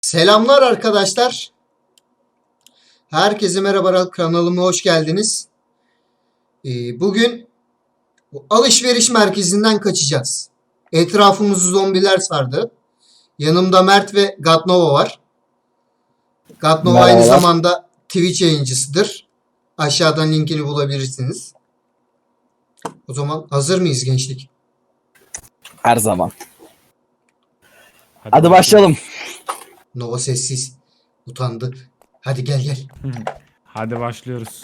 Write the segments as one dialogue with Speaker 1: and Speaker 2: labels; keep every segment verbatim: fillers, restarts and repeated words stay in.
Speaker 1: Selamlar arkadaşlar. Herkese merhaba, kanalıma hoş geldiniz. Ee, bugün bu alışveriş merkezinden kaçacağız. Etrafımızı zombiler sardı. Yanımda Mert ve Gatnova var. Gatnova aynı
Speaker 2: Merhabalar.
Speaker 1: zamanda Twitch yayıncısıdır. Aşağıdan linkini bulabilirsiniz. O zaman hazır mıyız gençlik?
Speaker 2: Her zaman.
Speaker 3: Hadi,
Speaker 2: Hadi başlayalım.
Speaker 1: Nova sessiz. Utandı. Hadi gel gel.
Speaker 3: Hadi başlıyoruz.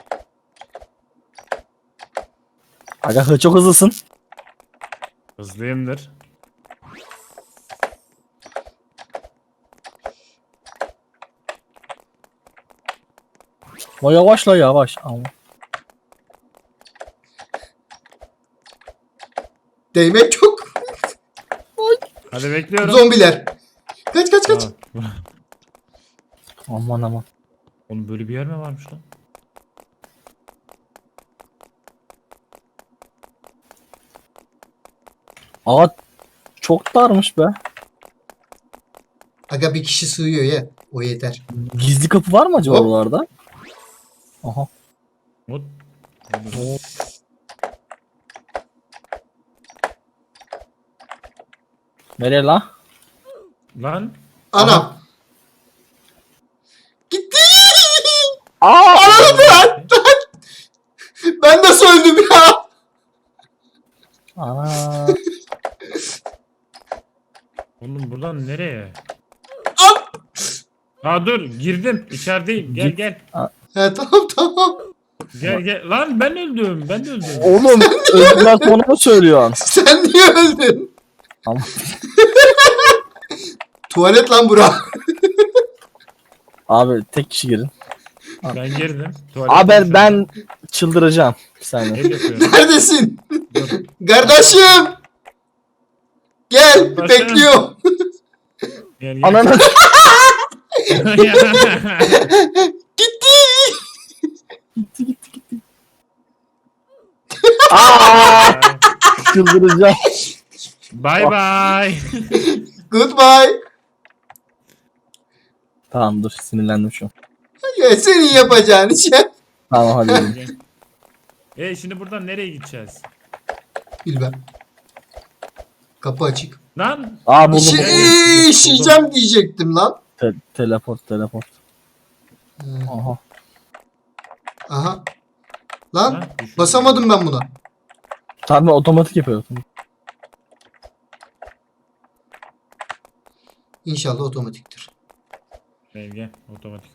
Speaker 2: Aga çok hızlısın.
Speaker 3: Hızlıyımdır.
Speaker 2: O yavaş la yavaş. Ama.
Speaker 1: Değmek yok.
Speaker 3: Hadi bekliyorum.
Speaker 1: Zombiler. Kaç kaç kaç.
Speaker 3: Aa,
Speaker 2: Aman aman.
Speaker 3: Oğlum böyle bir yer mi varmış lan?
Speaker 2: Aga çok darmış be.
Speaker 1: Aga bir kişi sığıyor ya. O yeter.
Speaker 2: Gizli kapı var mı acaba
Speaker 1: Hop.
Speaker 2: oralarda? Aha.
Speaker 3: Mut.
Speaker 2: Nereye la?
Speaker 3: Lan.
Speaker 1: Anam. Gitti.
Speaker 2: Aa!
Speaker 1: Lan. Ben nasıl öldüm ya?
Speaker 2: Ana.
Speaker 3: Oğlum buradan nereye?
Speaker 1: Al.
Speaker 3: Ha dur girdim. İçerideyim. Gel
Speaker 2: Git.
Speaker 3: gel.
Speaker 1: He tamam tamam.
Speaker 3: Gel gel. Lan ben öldüm. Ben de öldüm.
Speaker 2: Oğlum öldüler sonra mı söylüyorsun?
Speaker 1: Sen niye öldün?
Speaker 2: Ama
Speaker 1: Tuvalet lan bura.
Speaker 2: abi tek kişi girin.
Speaker 3: Ben girdim. Tuvalete
Speaker 2: Abi ben,
Speaker 3: düşüyorum.
Speaker 2: ben çıldıracağım. Bir saniye.
Speaker 3: El yapıyorum.
Speaker 1: Neredesin?
Speaker 3: Dur.
Speaker 1: Kardeşim. Gel
Speaker 3: Kardeşim.
Speaker 1: bekliyorum.
Speaker 3: Gel gel.
Speaker 2: Ananı.
Speaker 1: Gitti.
Speaker 2: Gitti gitti gitti. Aa! Çıldıracağım.
Speaker 3: Bye bye.
Speaker 1: Goodbye.
Speaker 2: Tamam dur sinirlendim şu an.
Speaker 1: Ya senin yapacağın iş ya.
Speaker 2: Tamam hadi. gidelim.
Speaker 3: Gel. E şimdi buradan nereye gideceğiz?
Speaker 1: Bilmem. Kapı açık.
Speaker 3: Lan.
Speaker 2: Aa buldum.
Speaker 1: İşi,
Speaker 3: buldum.
Speaker 1: işeyeceğim diyecektim lan.
Speaker 2: Te- teleport teleport.
Speaker 1: Ee,
Speaker 2: Aha.
Speaker 1: Aha. Lan
Speaker 3: Lan, düşürdüm.
Speaker 1: basamadım ben buna.
Speaker 2: Tabii otomatik yapıyor.
Speaker 1: İnşallah otomatiktir.
Speaker 3: Gel gel. Otomatik o.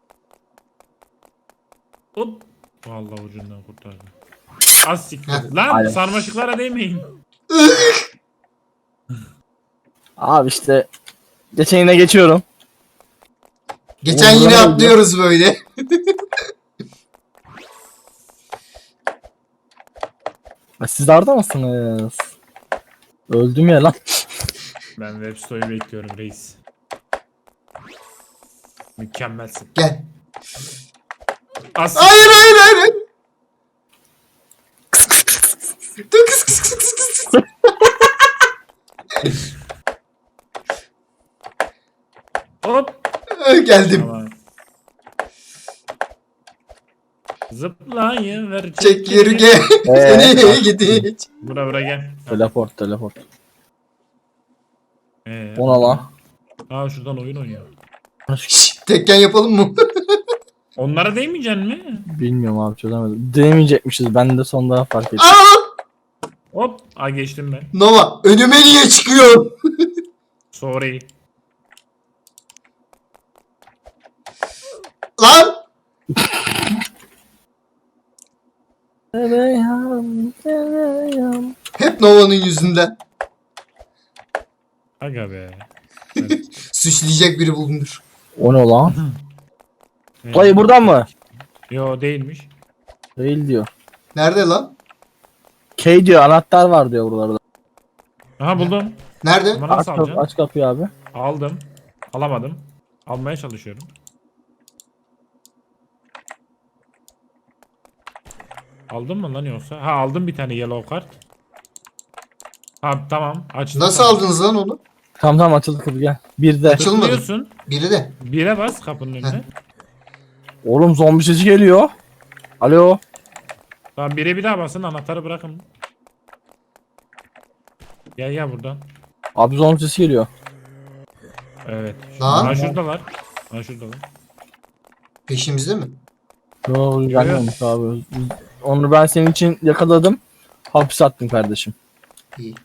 Speaker 3: Hop. Vallahi ucundan kurtardı. Az siktir.
Speaker 1: Heh.
Speaker 3: Lan
Speaker 2: Aynen.
Speaker 3: sarmaşıklara değmeyin.
Speaker 2: Abi işte geçenine geçiyorum.
Speaker 1: Geçen
Speaker 2: Oğlum,
Speaker 1: yine
Speaker 2: ne oldu?
Speaker 1: atlıyoruz böyle.
Speaker 2: Ya siz de orada mısınız? Öldüm ya lan.
Speaker 3: Ben web store'yu bekliyorum reis. Mükemmelsin.
Speaker 1: Gel.
Speaker 3: Az
Speaker 1: Hayır hayır hayır. hayır. Dur kıs kıs kıs kıs kıs.
Speaker 3: Hop.
Speaker 1: Geldim.
Speaker 3: Tamam. Zıplayın ver
Speaker 1: Çek yürü gel.
Speaker 2: Ee,
Speaker 1: Seni gidi.
Speaker 3: Bura bura gel.
Speaker 2: Teleport teleport.
Speaker 3: Ee,
Speaker 2: Ona lan.
Speaker 3: Aa şuradan oyun oynuyor.
Speaker 1: Şşş, tekken yapalım mı?
Speaker 3: Onlara değmeyeceksin mi?
Speaker 2: Bilmiyorum abi çözemedim. Denemeyecekmişiz. Ben de sonunda fark ettim.
Speaker 1: Aa!
Speaker 3: Hop. Aa geçtim ben.
Speaker 1: Nova önüme niye çıkıyorsun?
Speaker 3: Sorry.
Speaker 1: Lan!
Speaker 2: Tereyağım, tereyağım.
Speaker 1: Hep Nova'nın yüzünden.
Speaker 3: Aga be.
Speaker 1: Suçlayacak biri bulunur.
Speaker 2: O ne lan?
Speaker 3: Ee,
Speaker 2: Dayı buradan mı?
Speaker 3: Yo değilmiş.
Speaker 2: Değil diyor.
Speaker 1: Nerede lan?
Speaker 2: K diyor anahtar var diyor buralarda.
Speaker 3: Aha buldum.
Speaker 1: Nerede?
Speaker 3: Ama
Speaker 2: Aç,
Speaker 3: nasıl
Speaker 2: kapı,
Speaker 3: alacaksın?
Speaker 2: aç kapıyı abi.
Speaker 3: Aldım. Alamadım. Almaya çalışıyorum. Aldın mı lan yoksa? Ha aldım bir tane yellow card. Ha tamam açtım.
Speaker 1: Nasıl
Speaker 3: tamam.
Speaker 1: aldınız lan onu?
Speaker 2: Tamam tamam açıldı kapı gel. Bir de.
Speaker 1: Açılmadı.
Speaker 3: Tıklıyorsun.
Speaker 1: Biri de.
Speaker 3: Bire bas kapının önüne.
Speaker 2: Oğlum zombi sesi geliyor. Alo.
Speaker 3: Tamam bire bir daha basın anahtarı bırakın. Gel gel buradan.
Speaker 2: Abi zombi sesi geliyor.
Speaker 3: Evet.
Speaker 1: Lan.
Speaker 3: Ha şuradalar. Ha şuradalar.
Speaker 1: Peşimizde mi?
Speaker 2: Yo gelmemiş abi. Onu ben senin için yakaladım. Hapis attım kardeşim.
Speaker 1: İyi.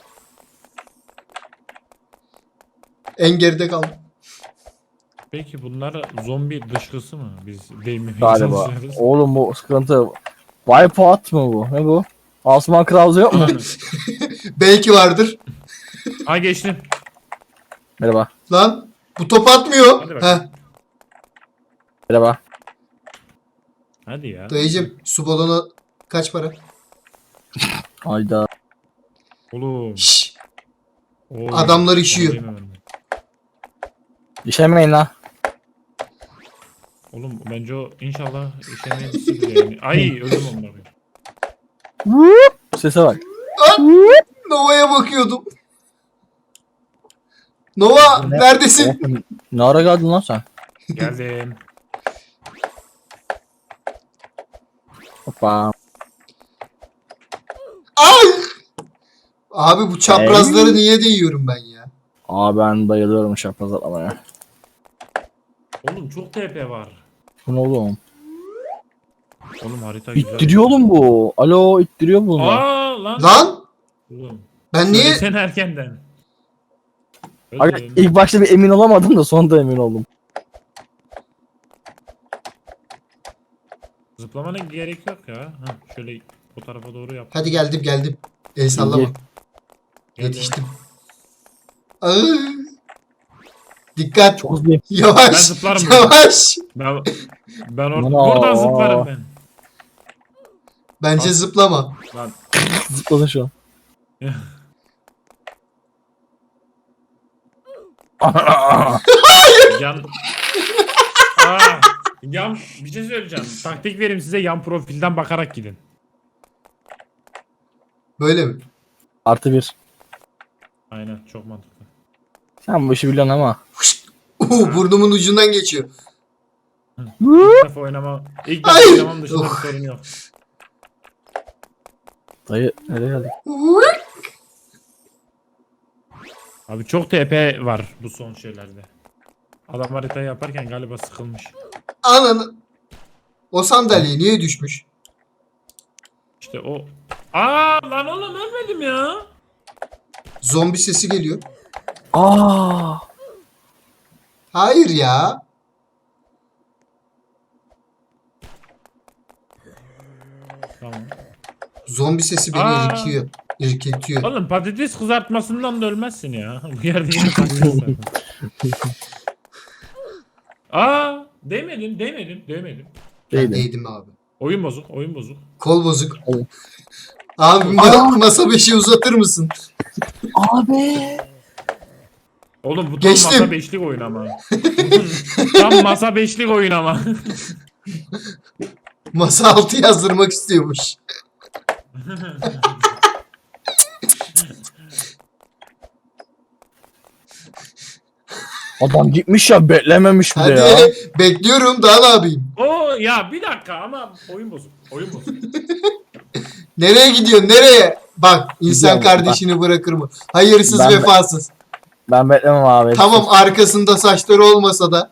Speaker 1: En geride kaldım.
Speaker 3: Peki bunlar zombi dışkısı mı? Biz değmemeye
Speaker 2: Galiba.
Speaker 3: çalışıyoruz.
Speaker 2: Oğlum bu sıkıntı. Wipeout mu bu? Ne bu? Asman Krause yok mu?
Speaker 1: Belki vardır.
Speaker 3: Ha geçtim.
Speaker 2: Merhaba.
Speaker 1: Lan bu top atmıyor.
Speaker 3: Hadi bakalım.
Speaker 1: Heh,
Speaker 2: Merhaba.
Speaker 3: Hadi ya.
Speaker 1: dayıcım su balonu kaç para?
Speaker 2: Hayda.
Speaker 3: Oğlum.
Speaker 1: Şşş.
Speaker 3: Oy,
Speaker 1: Adamlar işiyor.
Speaker 3: onu diyemem ben.
Speaker 2: İşemeyin la.
Speaker 3: Oğlum bence o inşallah işemeyebilirsin yani. Ay öldüm onları.
Speaker 2: Sese bak.
Speaker 1: Nova'ya bakıyordum. Nova
Speaker 2: Ne?
Speaker 1: neredesin?
Speaker 2: Oğlum, ne ara geldin lan sen?
Speaker 3: Geldim.
Speaker 2: Hoppa.
Speaker 1: Ay! Abi bu çaprazları niye değiyorum ben ya?
Speaker 2: Aa ben bayılıyorum şapkaz atlamaya.
Speaker 3: Oğlum çok T P var.
Speaker 2: Bu ne oğlum?
Speaker 3: Oğlum harita güzel.
Speaker 2: İttiriyor oğlum bu. Alo ittiriyor bunu.
Speaker 3: Aa lan.
Speaker 1: Lan
Speaker 3: Oğlum.
Speaker 1: ben niye
Speaker 3: Sen erkenden.
Speaker 2: Aga,
Speaker 3: Öldüm.
Speaker 2: ilk başta bir emin olamadım da sonunda emin oldum.
Speaker 3: Zıplamana gerek yok ya. Ha, şöyle o tarafa doğru yap.
Speaker 1: Hadi geldim geldim. El sallama.
Speaker 2: Gel.
Speaker 1: Yetiştim. Ay. Dikkat.
Speaker 2: Çok hızlıyım.
Speaker 1: Yavaş.
Speaker 3: Ben zıplarım buradan.
Speaker 1: Yavaş.
Speaker 3: Ben ben or
Speaker 2: Aman
Speaker 3: buradan
Speaker 2: aa.
Speaker 3: zıplarım ben.
Speaker 1: Bence
Speaker 3: Al.
Speaker 1: zıplama.
Speaker 3: Lan.
Speaker 2: Zıpladın şu an.
Speaker 3: Yan. Aa, yan bir şey söyleyeceğim. Taktik vereyim size yan profilden bakarak gidin.
Speaker 1: Böyle mi?
Speaker 2: Artı bir.
Speaker 3: Aynen çok mantıklı.
Speaker 2: Sen bu işi biliyorsun ama.
Speaker 1: Uhu, burnumun ucundan geçiyor.
Speaker 3: İlk defa oynama. İlk defa
Speaker 1: Ay!
Speaker 3: oynamam dışında bir
Speaker 1: Oh.
Speaker 3: sorun yok.
Speaker 2: Dayı nereye geldik?
Speaker 3: Abi çok T P var bu son şeylerde. Adam haritayı yaparken galiba sıkılmış.
Speaker 1: Ananı. O sandalye niye düşmüş?
Speaker 3: İşte o. Aa lan oğlum ölmedim ya.
Speaker 1: Zombi sesi geliyor.
Speaker 2: Aa!
Speaker 1: Hayır ya.
Speaker 3: Tamam.
Speaker 1: Zombi sesi beni
Speaker 3: Aa.
Speaker 1: irkiyor. İrkiltiyor.
Speaker 3: Oğlum patates kızartmasından da ölmezsin ya. Bu yerde yine patates var. Aa değmedim değmedim değmedim.
Speaker 1: Ben
Speaker 2: Değilim.
Speaker 1: değdim abi.
Speaker 3: Oyun bozuk oyun bozuk.
Speaker 1: Kol bozuk.
Speaker 2: Evet.
Speaker 1: Abi ma- masa beşi uzatır mısın?
Speaker 2: Abi.
Speaker 3: Oğlum bu tam
Speaker 1: Geçtim.
Speaker 3: masa beşlik oyun ama. Tam masa beşlik oyun ama.
Speaker 1: Masa altı yazdırmak istiyormuş.
Speaker 2: Adam gitmiş ya beklememiş bir de
Speaker 1: Hadi
Speaker 2: ya.
Speaker 1: bekliyorum daha ne yapayım?
Speaker 3: Oo ya bir dakika ama oyun bozuk. Oyun bozuk.
Speaker 1: Nereye gidiyorsun nereye? Bak insan
Speaker 2: Gidiyorum,
Speaker 1: kardeşini bırakır mı? Hayırsız
Speaker 2: Ben-
Speaker 1: vefasız.
Speaker 2: Ben beklemem abi.
Speaker 1: Tamam arkasında saçları olmasa da.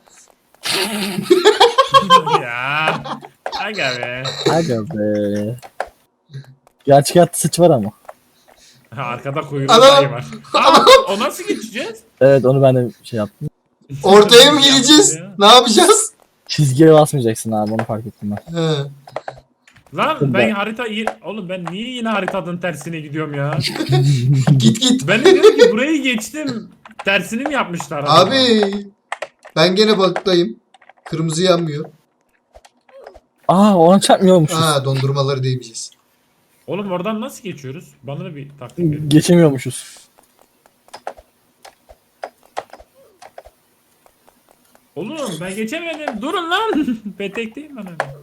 Speaker 3: ya. Aga be.
Speaker 2: Aga be. Gerçek hayatta sıç var ama.
Speaker 3: Ha, arkada kuyruğu
Speaker 1: Anam.
Speaker 3: dayı var. Aa, o nasıl geçeceğiz?
Speaker 2: Evet onu ben de şey yaptım.
Speaker 1: Ortaya mı gireceğiz? Ne yapacağız?
Speaker 2: Çizgiye basmayacaksın abi onu fark ettim ben.
Speaker 1: He.
Speaker 3: Lan
Speaker 2: Ben-
Speaker 3: ben harita oğlum ben niye yine haritanın tersine gidiyorum ya?
Speaker 1: Git git.
Speaker 3: Ben de diyorum ki burayı geçtim. Tersini mi yapmışlar? acaba?
Speaker 1: Abi ben gene balıktayım. Kırmızı yanmıyor.
Speaker 2: Aa ona çarpmıyormuşuz.
Speaker 1: Ha dondurmaları değmeyeceğiz.
Speaker 3: Oğlum oradan nasıl geçiyoruz? Bana da bir taktik verin.
Speaker 2: Geçemiyormuşuz.
Speaker 3: Oğlum ben geçemedim. Durun lan. Petekteyim ben öyle.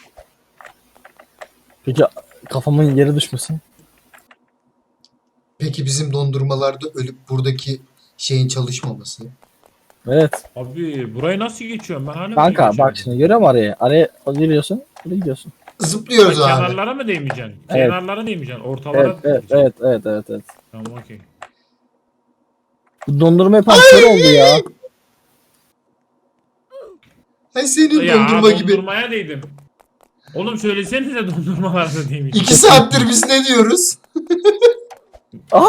Speaker 2: Peki kafamın yere düşmesin.
Speaker 1: Peki Peki bizim dondurmalarda ölüp buradaki şeyin çalışmaması.
Speaker 2: Evet.
Speaker 3: Abi burayı nasıl geçiyorum ben hala
Speaker 2: Kanka
Speaker 3: burayı
Speaker 2: bak
Speaker 3: geçemedim.
Speaker 2: şimdi görüyor musun araya? Araya giriyorsun. Buraya gidiyorsun.
Speaker 1: Zıplıyoruz
Speaker 3: Ha,
Speaker 1: abi.
Speaker 3: kenarlara mı değmeyeceksin?
Speaker 2: Evet.
Speaker 3: Kenarlara değmeyeceksin. Ortalara
Speaker 2: Evet evet
Speaker 3: gideceksin.
Speaker 2: evet evet evet. evet.
Speaker 3: Tamam okey.
Speaker 2: Bu dondurma yapan kör oldu ya.
Speaker 1: Ay senin
Speaker 3: Ya
Speaker 1: dondurma gibi.
Speaker 3: dondurmaya değdim. Oğlum söylesenize dondurmalarda değmeyecek.
Speaker 1: İki saattir biz ne diyoruz?
Speaker 2: Aa!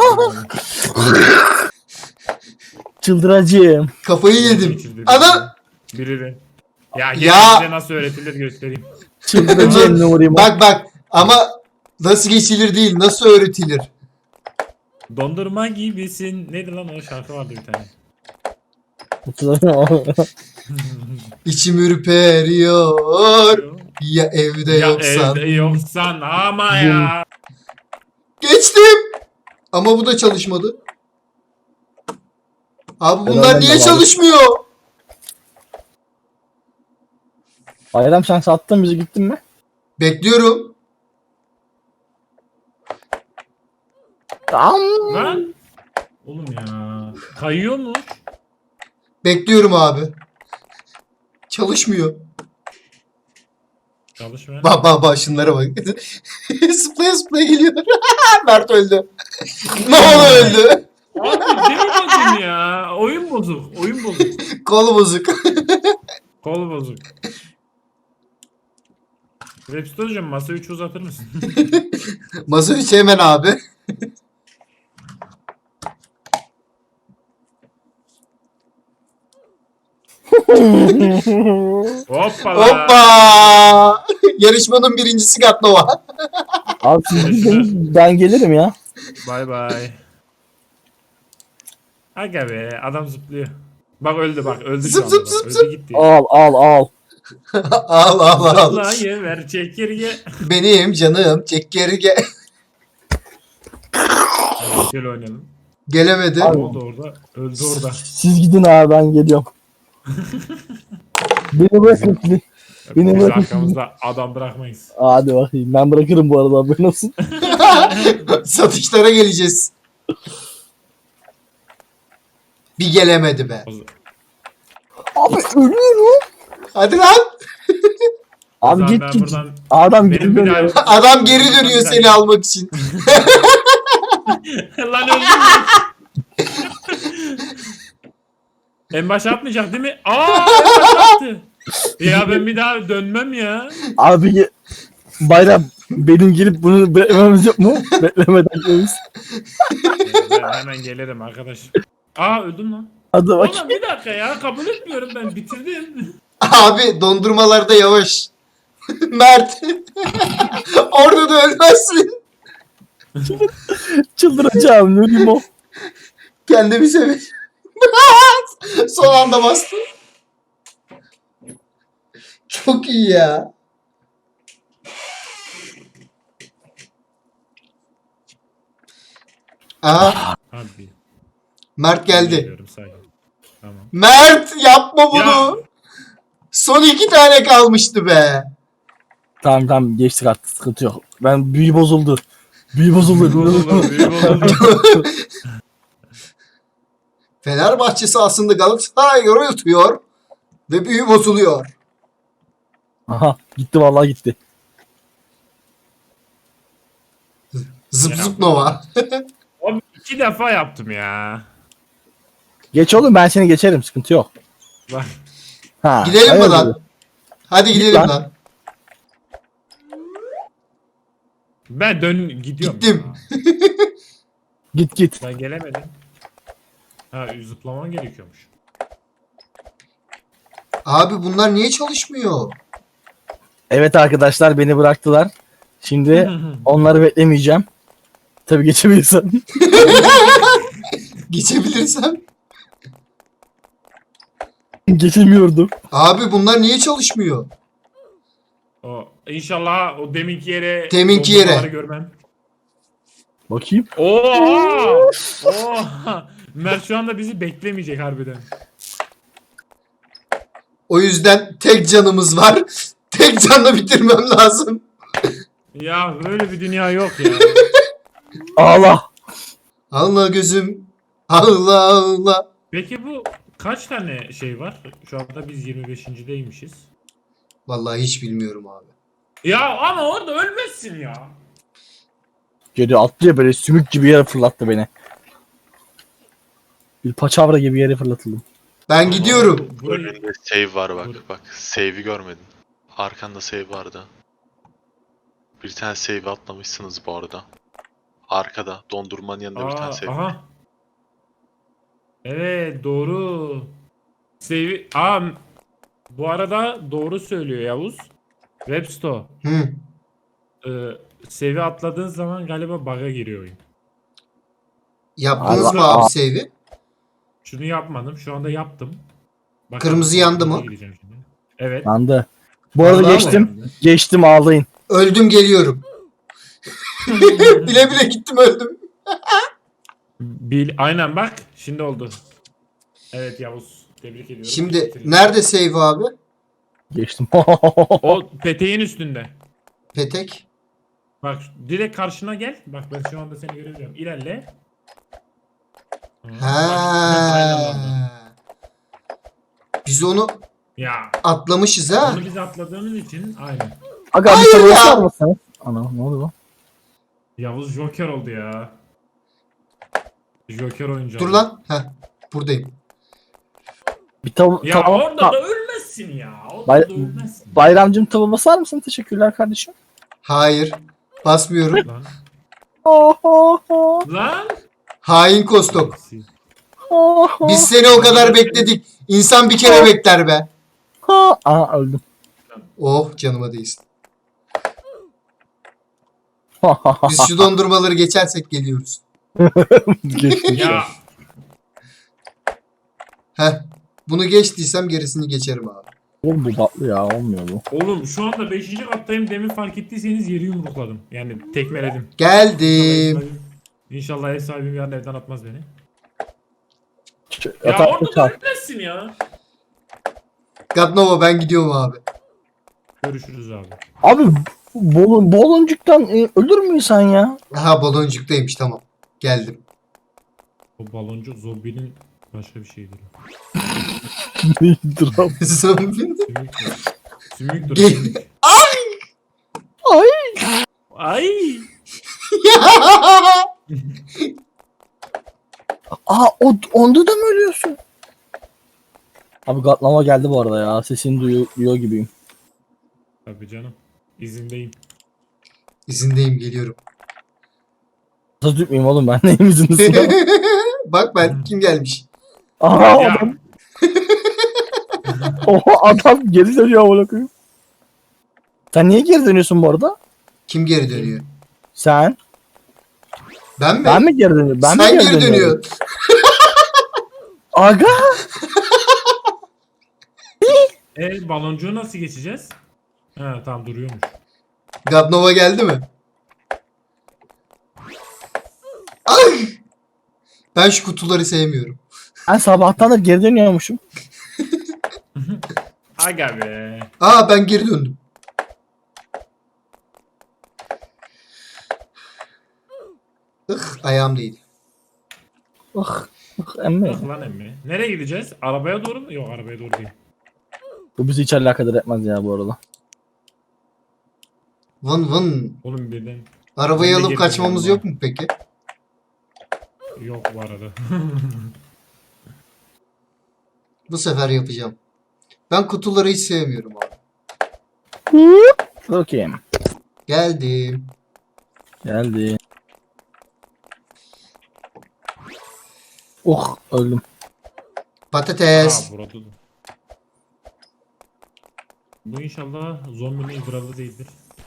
Speaker 2: Çıldıracağım.
Speaker 1: Kafayı yedim.
Speaker 3: Geçirdi
Speaker 1: Ana!
Speaker 3: Biri de. Ya,
Speaker 1: Ya!
Speaker 3: ya. Size nasıl öğretilir göstereyim.
Speaker 2: Çıldıracağım Nuri'm.
Speaker 1: Bak bak ama nasıl geçilir değil nasıl öğretilir.
Speaker 3: Dondurma gibisin. Neydi lan o şarkı vardı bir tane.
Speaker 1: İçim ürperiyor. Ya evde
Speaker 3: ya
Speaker 1: yoksan.
Speaker 3: evde yoksan ama ya.
Speaker 1: Geçtim. Ama bu da çalışmadı. Abi bunlar
Speaker 2: Helal
Speaker 1: niye
Speaker 2: olsun.
Speaker 1: çalışmıyor?
Speaker 2: Bayram sen sattın bizi gittin mi?
Speaker 1: Bekliyorum.
Speaker 2: Tam.
Speaker 3: Lan. Oğlum ya. Kayıyor mu?
Speaker 1: Bekliyorum abi. Çalışmıyor.
Speaker 3: Çalışmıyor.
Speaker 1: Bak bak bak şunlara bak. Zıplaya zıplaya geliyor. Mert öldü. Ne oldu öldü?
Speaker 3: Abi demedim ya. Oyun bozuk. Oyun bozuk.
Speaker 1: Kolu bozuk.
Speaker 3: Kol bozuk. Webster hocam masa üçü uzatır mısın?
Speaker 1: Masa içi hemen abi.
Speaker 3: Hoppala.
Speaker 1: Hoppa! Yarışmanın birincisi Gatnova.
Speaker 2: Abi siz gidin, ben gelirim ya.
Speaker 3: Bay bay. Aga be adam zıplıyor. Bak öldü bak öldü
Speaker 1: Zıp
Speaker 3: şu
Speaker 1: zıp
Speaker 3: anda.
Speaker 1: zıp
Speaker 3: Bak,
Speaker 1: zıp.
Speaker 3: öldü gitti.
Speaker 2: Al al al.
Speaker 1: al al al.
Speaker 3: Zıplayıver çekirge.
Speaker 1: Benim canım çekirge.
Speaker 3: Şöyle oynayalım.
Speaker 1: Gelemedi.
Speaker 3: Ne oldu orada? Öldü orada.
Speaker 2: Siz gidin abi ben geliyorum. Beni bırakın. Beni
Speaker 3: Biz
Speaker 2: bırakın.
Speaker 3: arkamızda adam bırakmayız.
Speaker 2: Hadi bakayım ben bırakırım bu arada haberin olsun.
Speaker 1: Satışlara geleceğiz. Bir gelemedi be.
Speaker 2: Abi ölüyorum.
Speaker 1: Hadi lan.
Speaker 2: Abi
Speaker 3: Abi
Speaker 2: git
Speaker 3: ben
Speaker 2: git.
Speaker 3: buradan
Speaker 2: Adam
Speaker 3: benim
Speaker 2: geri
Speaker 3: bir
Speaker 2: dönüyor.
Speaker 3: daha...
Speaker 1: Adam geri dönüyor seni almak için.
Speaker 3: Lan öldüm lan. En başa atmayacak değil mi? Aa en başa attı. Ya ben bir daha dönmem ya.
Speaker 2: Abi ge- bayram benim gelip bunu beklememiz yok mu? Beklemeden geliriz.
Speaker 3: Ben hemen gelirim arkadaş. Aa öldüm lan.
Speaker 2: Hadi bak.
Speaker 3: Oğlum bir dakika ya kabul etmiyorum ben bitirdim.
Speaker 1: Abi dondurmalarda yavaş. Mert. Orada da ölmezsin.
Speaker 2: Çıldıracağım Nuri'm o.
Speaker 1: Kendimi seviyorum. Son anda bastım. Çok iyi ya. Aha
Speaker 3: Abi.
Speaker 1: Mert geldi.
Speaker 3: Geliyorum, sakin. Tamam.
Speaker 1: Mert yapma bunu.
Speaker 3: Ya.
Speaker 1: Son iki tane kalmıştı be.
Speaker 2: Tamam tamam geçtik artık sıkıntı yok. Ben büyü bozuldu. Büyü bozuldu.
Speaker 3: Bozuldu, büyü bozuldu.
Speaker 1: Fenerbahçe sahasında Galatasaray yoruluyor ve büyü bozuluyor.
Speaker 2: Aha gitti vallahi gitti.
Speaker 1: Zıp
Speaker 3: Ya.
Speaker 1: zıp Nova.
Speaker 3: Abi iki defa yaptım ya.
Speaker 2: Geç oğlum ben seni geçerim sıkıntı yok.
Speaker 3: Bak.
Speaker 2: Ha,
Speaker 1: Gidelim mi
Speaker 2: hayırdır?
Speaker 1: lan? Hadi gidelim
Speaker 2: lan.
Speaker 1: lan.
Speaker 3: Ben dön gidiyorum.
Speaker 1: Gittim.
Speaker 3: Ya.
Speaker 2: Git git.
Speaker 3: Ben gelemedim. Ha zıplaman gerekiyormuş.
Speaker 1: Abi bunlar niye çalışmıyor?
Speaker 2: Evet arkadaşlar beni bıraktılar. Şimdi onları beklemeyeceğim. Tabii geçebilirsem.
Speaker 1: Geçebilirsem.
Speaker 2: Geçemiyordum.
Speaker 1: Abi bunlar niye çalışmıyor?
Speaker 3: O, inşallah o deminki yere
Speaker 1: Deminki yere.
Speaker 3: dondurmaları görmem.
Speaker 2: Bakayım.
Speaker 3: Oha! Oha! Mert şu anda bizi beklemeyecek harbiden.
Speaker 1: O yüzden tek canımız var. Tek canla bitirmem lazım.
Speaker 3: Ya böyle bir dünya yok ya.
Speaker 2: Allah.
Speaker 1: Allah gözüm. Allah Allah.
Speaker 3: Peki bu kaç tane şey var? Şu anda biz yirmi beşinci.deymişiz.
Speaker 1: Vallahi hiç bilmiyorum abi.
Speaker 3: Ya ama orada ölmezsin ya.
Speaker 2: Geri attı ya, böyle sümük gibi yere fırlattı beni. Bir paçavra gibi yere fırlatıldım.
Speaker 1: Ben gidiyorum.
Speaker 3: Burayı...
Speaker 4: Önünde save var bak
Speaker 3: Bur-
Speaker 4: bak. Save'i görmedin. Arkanda save vardı. Bir tane save atlamışsınız bu arada. Arkada dondurmanın yanında bir tane
Speaker 3: Aa,
Speaker 4: save.
Speaker 3: aha. Evet doğru. Sevi Aa, bu arada doğru söylüyor Yavuz. Websto.
Speaker 1: Hı.
Speaker 3: Ee, sevi atladığın zaman galiba bug'a giriyor oyun.
Speaker 1: Yaptınız
Speaker 2: Allah-
Speaker 1: mı abi save'i?
Speaker 3: Şunu yapmadım. Şu anda yaptım. Bakalım,
Speaker 1: Kırmızı yandı mı?
Speaker 3: gireceğim şimdi. Evet.
Speaker 2: Yandı. Bu arada
Speaker 1: Vallahi
Speaker 2: geçtim.
Speaker 3: mi?
Speaker 2: Geçtim, ağlayın.
Speaker 1: Öldüm geliyorum. Bile bile gittim öldüm.
Speaker 3: Bil, aynen bak. Şimdi oldu. Evet Yavuz. Tebrik ediyorum.
Speaker 1: Şimdi
Speaker 3: Bitirdin.
Speaker 1: nerede save abi?
Speaker 2: Geçtim.
Speaker 3: O peteğin üstünde.
Speaker 1: Petek.
Speaker 3: Bak direkt karşına gel. Bak ben şu anda seni görebiliyorum. İlerle.
Speaker 1: Ha.
Speaker 3: Aynen oldu.
Speaker 1: Biz onu
Speaker 3: Ya.
Speaker 1: atlamışız ha.
Speaker 3: Onu biz atladığımız için aynen.
Speaker 2: Aga
Speaker 1: Hayır
Speaker 2: bir soru
Speaker 1: ya.
Speaker 2: var mısınız? Ana ne oldu lan?
Speaker 3: Yavuz Joker oldu ya. Joker oyuncu.
Speaker 1: Dur
Speaker 3: oldu.
Speaker 1: lan. Heh. Buradayım.
Speaker 2: Bir tav
Speaker 3: Ya
Speaker 2: tav-
Speaker 3: orada
Speaker 2: ta-
Speaker 3: da ölmezsin ya. Orada
Speaker 2: Bay-
Speaker 3: da ölmezsin.
Speaker 2: Bayramcım tava basar mısın? Teşekkürler kardeşim.
Speaker 1: Hayır. Basmıyorum.
Speaker 3: Lan.
Speaker 2: Oh, oh, oh,
Speaker 3: Lan.
Speaker 1: Hain Kostok.
Speaker 2: oh, oh.
Speaker 1: Biz seni o kadar bekledik. İnsan bir kere bekler be.
Speaker 2: Ha. Aa öldüm.
Speaker 1: Oh canıma değsin. Biz şu dondurmaları geçersek geliyoruz.
Speaker 2: Geçtim.
Speaker 3: Ya.
Speaker 1: Heh. Bunu geçtiysem gerisini geçerim abi.
Speaker 2: Oğlum bu tatlı ya, olmuyor bu.
Speaker 3: Oğlum şu anda beşinci kattayım. Demin fark ettiyseniz yeri yumrukladım. Yani tekmeledim.
Speaker 1: Geldim.
Speaker 3: İnşallah ev sahibim yarın evden atmaz beni. Ya
Speaker 2: Yatak
Speaker 3: orada da
Speaker 2: çal.
Speaker 3: ölmezsin ya.
Speaker 1: Gadnova ben gidiyorum abi.
Speaker 3: Görüşürüz abi.
Speaker 2: Abi bolon, boloncuktan e, ölür mü insan ya?
Speaker 1: Aha baloncuktaymış tamam. Geldim.
Speaker 3: O baloncu zombinin başka bir şeydir.
Speaker 2: Neydir abi?
Speaker 1: Zombi.
Speaker 3: Sümüktür. Sümüktür.
Speaker 1: Gel-
Speaker 3: Sümük.
Speaker 2: Ay.
Speaker 3: Ay.
Speaker 2: Aa o, onda da mı ölüyorsun? Abi gatlama geldi bu arada ya. Sesini duyuyor, duyuyor gibiyim.
Speaker 3: Tabii canım. İzindeyim.
Speaker 1: İzindeyim geliyorum.
Speaker 2: Nasıl tutmayayım oğlum, ben neyim izinlisiyim?
Speaker 1: Bak ben kim gelmiş.
Speaker 2: Aha
Speaker 3: Ya.
Speaker 2: adam. Oha adam geri dönüyor amına koyayım. Sen niye geri dönüyorsun bu arada?
Speaker 1: Kim geri dönüyor?
Speaker 2: Sen?
Speaker 1: Ben mi?
Speaker 2: Ben mi geri dönüyorum? Ben
Speaker 1: Sen
Speaker 2: mi
Speaker 1: geri
Speaker 2: dönüyorum?
Speaker 1: dönüyor.
Speaker 2: Aga.
Speaker 3: E baloncuğu nasıl geçeceğiz? Ha tamam duruyormuş.
Speaker 1: Gadnova geldi mi? Ay! Ben şu kutuları sevmiyorum.
Speaker 2: Ben sabahtandır geri dönüyormuşum.
Speaker 3: Aga be.
Speaker 1: Aa ben geri döndüm. Ih ayağım değil.
Speaker 2: Ah. Ah emmi.
Speaker 3: Bak lan emmi. Nereye gideceğiz? Arabaya doğru mu? Yok arabaya doğru değil.
Speaker 2: Bu bizi hiç alakadar etmez ya bu arada.
Speaker 1: Vın vın.
Speaker 3: Oğlum birden.
Speaker 1: Arabayı
Speaker 3: Ben de
Speaker 1: alıp
Speaker 3: geri
Speaker 1: kaçmamız
Speaker 3: dönüyorum
Speaker 1: yok mu peki?
Speaker 3: Yok bu arada.
Speaker 1: Bu sefer yapacağım. Ben kutuları hiç sevmiyorum abi.
Speaker 2: Bakayım.
Speaker 1: Geldim.
Speaker 2: Geldi. Oh öldüm.
Speaker 1: Patates.
Speaker 3: Aa burada da. Bu inşallah zombinin idrarı değildir.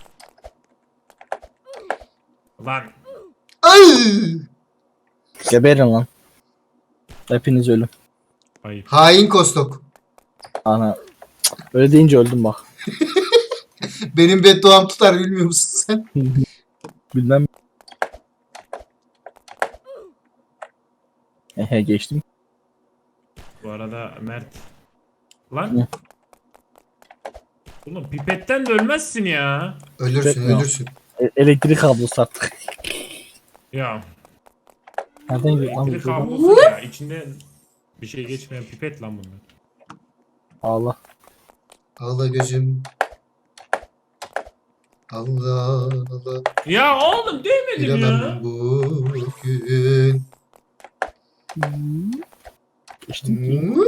Speaker 3: Lan.
Speaker 1: Ay!
Speaker 2: Geberin lan. Hepiniz ölüm.
Speaker 3: Hayır.
Speaker 1: Hain Kostok.
Speaker 2: Ana. Cık, öyle deyince öldüm bak.
Speaker 1: Benim bedduam tutar bilmiyor musun sen?
Speaker 2: Bilmem. Ehe geçtim.
Speaker 3: Bu arada Mert. Lan.
Speaker 2: Hı.
Speaker 3: Oğlum pipetten de ölmezsin ya.
Speaker 1: Ölürsün
Speaker 2: Bekle.
Speaker 1: ölürsün.
Speaker 2: E- elektrik kablosu artık.
Speaker 3: Ya.
Speaker 2: Nereden gidiyor lan
Speaker 3: Elektrik
Speaker 2: bu?
Speaker 3: kablosu ya. İçinde bir şey geçmeyen pipet lan bunlar.
Speaker 2: Allah.
Speaker 1: Allah gözüm. Allah Allah.
Speaker 3: Ya oğlum değmedim ya.
Speaker 1: Bilemem bugün.
Speaker 2: Geçtim ki.
Speaker 1: Hı?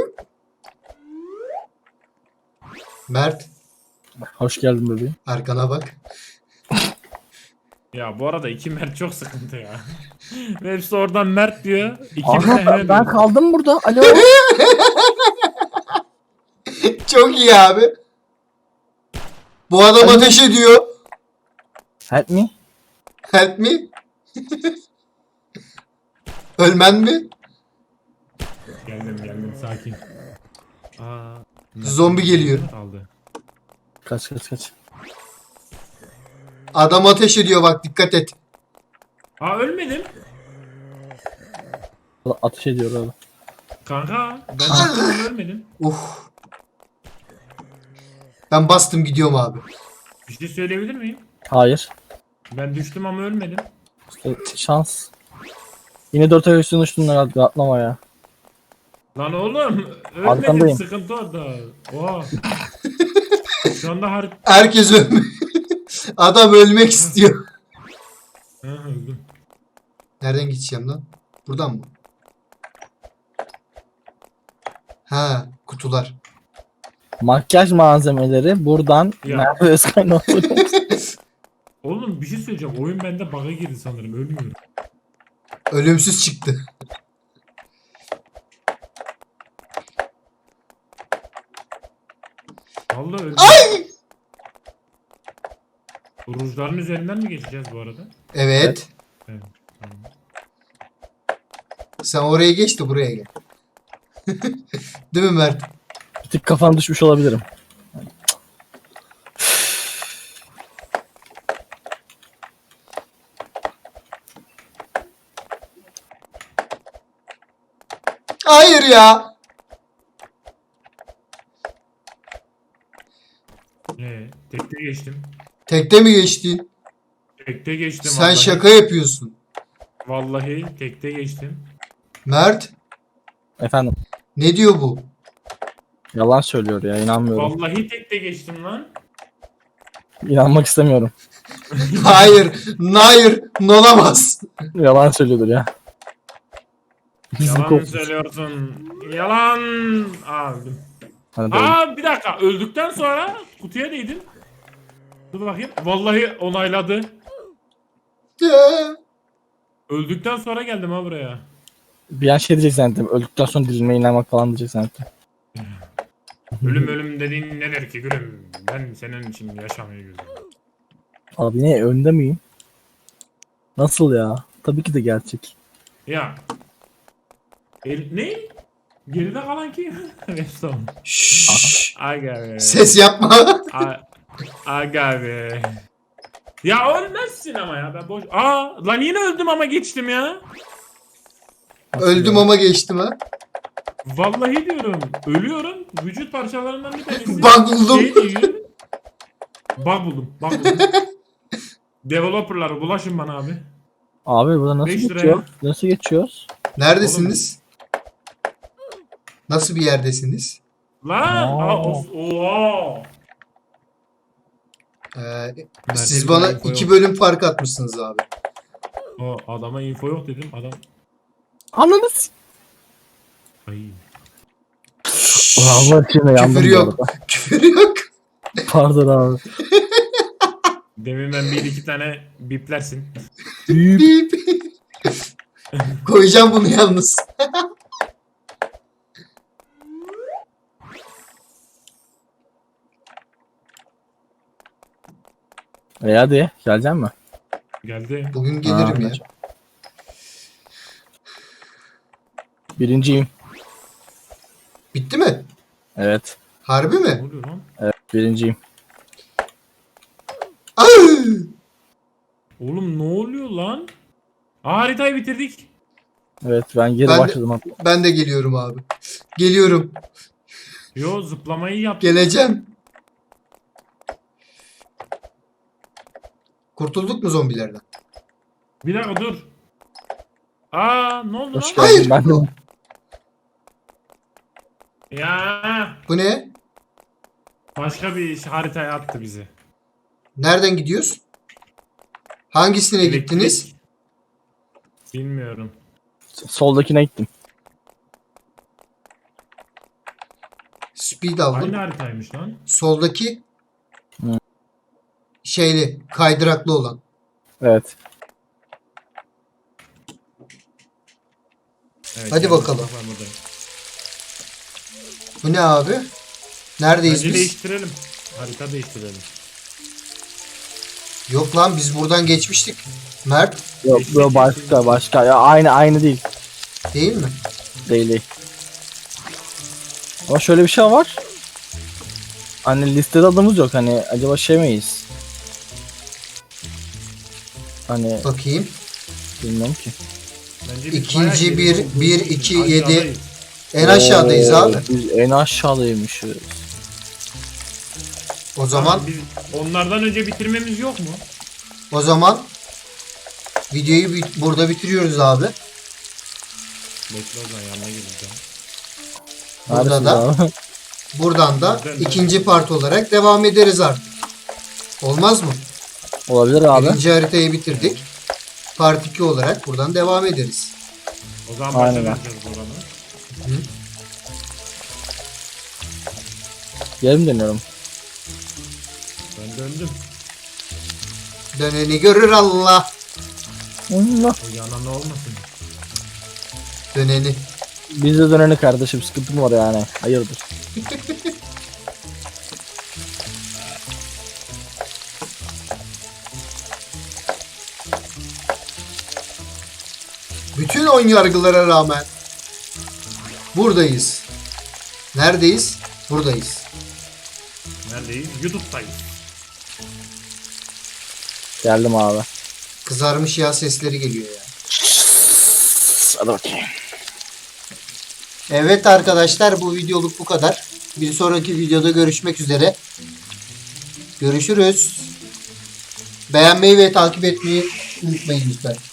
Speaker 1: Mert,
Speaker 2: Hoş geldin bebeğim.
Speaker 1: arkana bak.
Speaker 3: Ya bu arada iki Mert çok sıkıntı ya. Hepsi oradan Mert diyor. İkimiz
Speaker 2: Aha
Speaker 3: de
Speaker 2: ben,
Speaker 3: Mert
Speaker 2: ben
Speaker 3: diyor.
Speaker 2: kaldım burada. Alo.
Speaker 1: Çok iyi abi. Bu adam
Speaker 2: Ay.
Speaker 1: ateş ediyor.
Speaker 2: Help me.
Speaker 1: Help me. Ölmen mi?
Speaker 3: Geldim geldim sakin. Aa, Mert
Speaker 1: Zombi geliyor.
Speaker 3: Kaldı.
Speaker 2: Kaç kaç kaç.
Speaker 1: Adam ateş ediyor bak, dikkat et.
Speaker 3: Aa ölmedim.
Speaker 2: Ateş ediyor abi.
Speaker 3: Kanka ben sıktım ölmedim.
Speaker 1: Uf. Ben bastım gidiyorum abi.
Speaker 3: Bir şey söyleyebilir miyim?
Speaker 2: Hayır.
Speaker 3: Ben düştüm ama ölmedim.
Speaker 2: İşte şans. Yine dört ay üstüne uçtun herhalde. Atlama ya.
Speaker 3: Lan oğlum ölmedim,
Speaker 2: Arkandayım.
Speaker 3: sıkıntı orada. Oha. Şu anda har...
Speaker 1: Herkes ölmüş. Adam ölmek istiyor.
Speaker 3: Ha, öldüm.
Speaker 1: Nereden gideceğim lan? Buradan mı? Ha, kutular.
Speaker 2: Makyaj malzemeleri buradan
Speaker 3: Ya.
Speaker 2: Merve Özkay'ın oldu.
Speaker 3: Oğlum bir şey söyleyeceğim. Oyun bende bug'a girdi sanırım. Ölmüyorum.
Speaker 1: Ölümsüz çıktı.
Speaker 3: Vallahi öldüm.
Speaker 1: Ay!
Speaker 3: Rujların üzerinden mi geçeceğiz bu arada?
Speaker 1: Evet.
Speaker 3: Evet. Tamam.
Speaker 1: Sen oraya geç de buraya gel. Değil mi Mert?
Speaker 2: Bir tık kafam düşmüş olabilirim.
Speaker 1: Hayır ya.
Speaker 3: Ee, tekte geçtim.
Speaker 1: Tekte mi geçtin?
Speaker 3: Tekte geçtim
Speaker 1: Sen
Speaker 3: vallahi.
Speaker 1: şaka yapıyorsun.
Speaker 3: Vallahi tekte geçtim.
Speaker 1: Mert,
Speaker 2: Efendim.
Speaker 1: ne diyor bu?
Speaker 2: Yalan söylüyor ya, inanmıyorum.
Speaker 3: Vallahi tekte geçtim lan.
Speaker 2: İnanmak istemiyorum.
Speaker 1: Hayır, hayır, olamaz.
Speaker 2: Yalan söylüyordur ya. Bizim
Speaker 3: Yalan
Speaker 2: kopmuş.
Speaker 3: söylüyorsun. Yalan. Aa öldüm.
Speaker 2: Hadi devam.
Speaker 3: Aa bir dakika. Öldükten sonra kutuya değdim. Dur bakayım. Vallahi onayladı. Öldükten sonra geldim ha buraya.
Speaker 2: Bir an şey diyecek zannettim. Öldükten sonra dirilmeye inanmak falan diyecek zannettim.
Speaker 3: Ölüm ölüm dediğin nedir ki gülüm? Ben senin için yaşamayı gözüm.
Speaker 2: Abi ne, önde miyim? Nasıl ya? Tabii ki de gerçek.
Speaker 3: Ya. El, ne? Geride kalan kim? Redstone.
Speaker 1: Şşş.
Speaker 3: Aga be.
Speaker 1: Ses yapma.
Speaker 3: A- Aga be. Ya ölmezsin ama ya ben boş. Aa lan yine öldüm ama geçtim ya.
Speaker 2: Nasıl
Speaker 1: Öldüm
Speaker 2: ya?
Speaker 1: ama geçtim ha.
Speaker 3: Vallahi diyorum. Ölüyorum. Vücut parçalarından bir tanesi.
Speaker 1: Bug buldum.
Speaker 3: Şey diyor. Bug buldum. Bug buldum. Developerlar bulaşın bana abi.
Speaker 2: Abi burada nasıl
Speaker 3: Beş liraya.
Speaker 2: geçiyor? Nasıl geçiyoruz?
Speaker 1: Neredesiniz? Nasıl bir yerdesiniz?
Speaker 3: Lan.
Speaker 2: Aa.
Speaker 3: Aa, os- Oha.
Speaker 1: Ee,
Speaker 3: Mert,
Speaker 1: siz
Speaker 3: bir
Speaker 1: bana
Speaker 3: info
Speaker 1: iki
Speaker 3: yok.
Speaker 1: bölüm fark atmışsınız abi.
Speaker 3: O adama info yok dedim. Adam.
Speaker 2: Ananı s-
Speaker 3: Ay.
Speaker 2: Allah için yandım
Speaker 1: Küfür
Speaker 2: bu
Speaker 1: yok.
Speaker 2: arada.
Speaker 1: Küfür yok.
Speaker 2: Pardon abi.
Speaker 3: Demin ben bir iki tane biplersin.
Speaker 2: Büyük.
Speaker 1: Bip. Koyacağım bunu yalnız.
Speaker 2: E hadi gelecek mi?
Speaker 3: Geldi.
Speaker 1: Bugün gelirim ya.
Speaker 2: Birinciyim.
Speaker 1: Bitti mi?
Speaker 2: Evet.
Speaker 1: Harbi
Speaker 3: Ne
Speaker 1: mi?
Speaker 3: oluyor lan?
Speaker 2: Evet birinciyim.
Speaker 1: Ay!
Speaker 3: Oğlum ne oluyor lan? Aa, haritayı bitirdik.
Speaker 2: Evet ben geri
Speaker 1: Ben de-
Speaker 2: başladım hatta.
Speaker 1: Ben de geliyorum abi. Geliyorum.
Speaker 3: Yo zıplamayı yaptık.
Speaker 1: Geleceğim. Kurtulduk mu zombilerden?
Speaker 3: Bir dakika dur. Aa ne oldu
Speaker 2: Hoş
Speaker 3: lan?
Speaker 2: geldin.
Speaker 1: Hayır.
Speaker 2: Ben de
Speaker 3: Ya
Speaker 1: Bu ne?
Speaker 3: başka bir iş haritaya attı bizi.
Speaker 1: Nereden gidiyoruz? Hangisine
Speaker 3: Elektrik-
Speaker 1: gittiniz?
Speaker 3: Bilmiyorum.
Speaker 2: soldakine gittim.
Speaker 1: Speed aldım.
Speaker 3: Aynı haritaymış lan.
Speaker 1: Soldaki
Speaker 2: Hı.
Speaker 1: şeyli, kaydıraklı olan.
Speaker 2: Evet.
Speaker 3: Evet,
Speaker 1: Hadi
Speaker 3: yani
Speaker 1: bakalım.
Speaker 3: ben buradayım.
Speaker 1: Bu ne abi? Neredeyiz
Speaker 3: Bence
Speaker 1: biz?
Speaker 3: değiştirelim. Harita değiştirelim.
Speaker 1: Yok lan biz buradan geçmiştik. Mert
Speaker 2: Yok bu başka başka. Ya aynı aynı değil.
Speaker 1: değil mi?
Speaker 2: Değil değil. Ama şöyle bir şey var. Hani listede adımız yok. Hani acaba şey miyiz? Hani
Speaker 1: Bakayım.
Speaker 2: bilmiyorum ki.
Speaker 3: Bence biz
Speaker 1: İkinci
Speaker 3: bayağı
Speaker 1: bir,
Speaker 3: geri olduğumuz
Speaker 1: bir,
Speaker 3: için
Speaker 1: iki, yedi.
Speaker 3: aşağıdayız.
Speaker 1: En aşağıdayız
Speaker 2: Oo,
Speaker 1: abi.
Speaker 2: Biz en aşağıdaymışız.
Speaker 1: O zaman
Speaker 3: Biz onlardan önce bitirmemiz yok mu?
Speaker 1: o zaman videoyu bit- burada bitiriyoruz abi.
Speaker 3: Bekle o zaman yanına geleceğim.
Speaker 1: Burada
Speaker 2: Neredesiniz
Speaker 1: da
Speaker 2: abi?
Speaker 1: buradan da
Speaker 3: Ben-
Speaker 1: ikinci part olarak devam ederiz artık. Olmaz mı?
Speaker 2: Olabilir abi.
Speaker 1: Birinci haritayı bitirdik. Part iki olarak buradan devam ederiz.
Speaker 3: O zaman
Speaker 2: Aynen.
Speaker 3: başa vereceğiz oranı.
Speaker 2: Yarım dönüyorum.
Speaker 3: Ben döndüm.
Speaker 1: Döneni görür Allah.
Speaker 2: Allah.
Speaker 3: O yanan olmasın.
Speaker 1: Döneni.
Speaker 2: Biz de döneni kardeşim. Sıkıntı mı var yani? Hayırdır?
Speaker 1: Bütün ön yargılara rağmen buradayız. Neredeyiz? Buradayız.
Speaker 3: Neredeyiz? YouTube'dayız.
Speaker 2: Geldim abi.
Speaker 1: Kızarmış yağ sesleri geliyor ya.
Speaker 2: Hadi bakayım.
Speaker 1: Evet arkadaşlar bu videoluk bu kadar. Bir sonraki videoda görüşmek üzere. Görüşürüz. Beğenmeyi ve takip etmeyi unutmayın lütfen.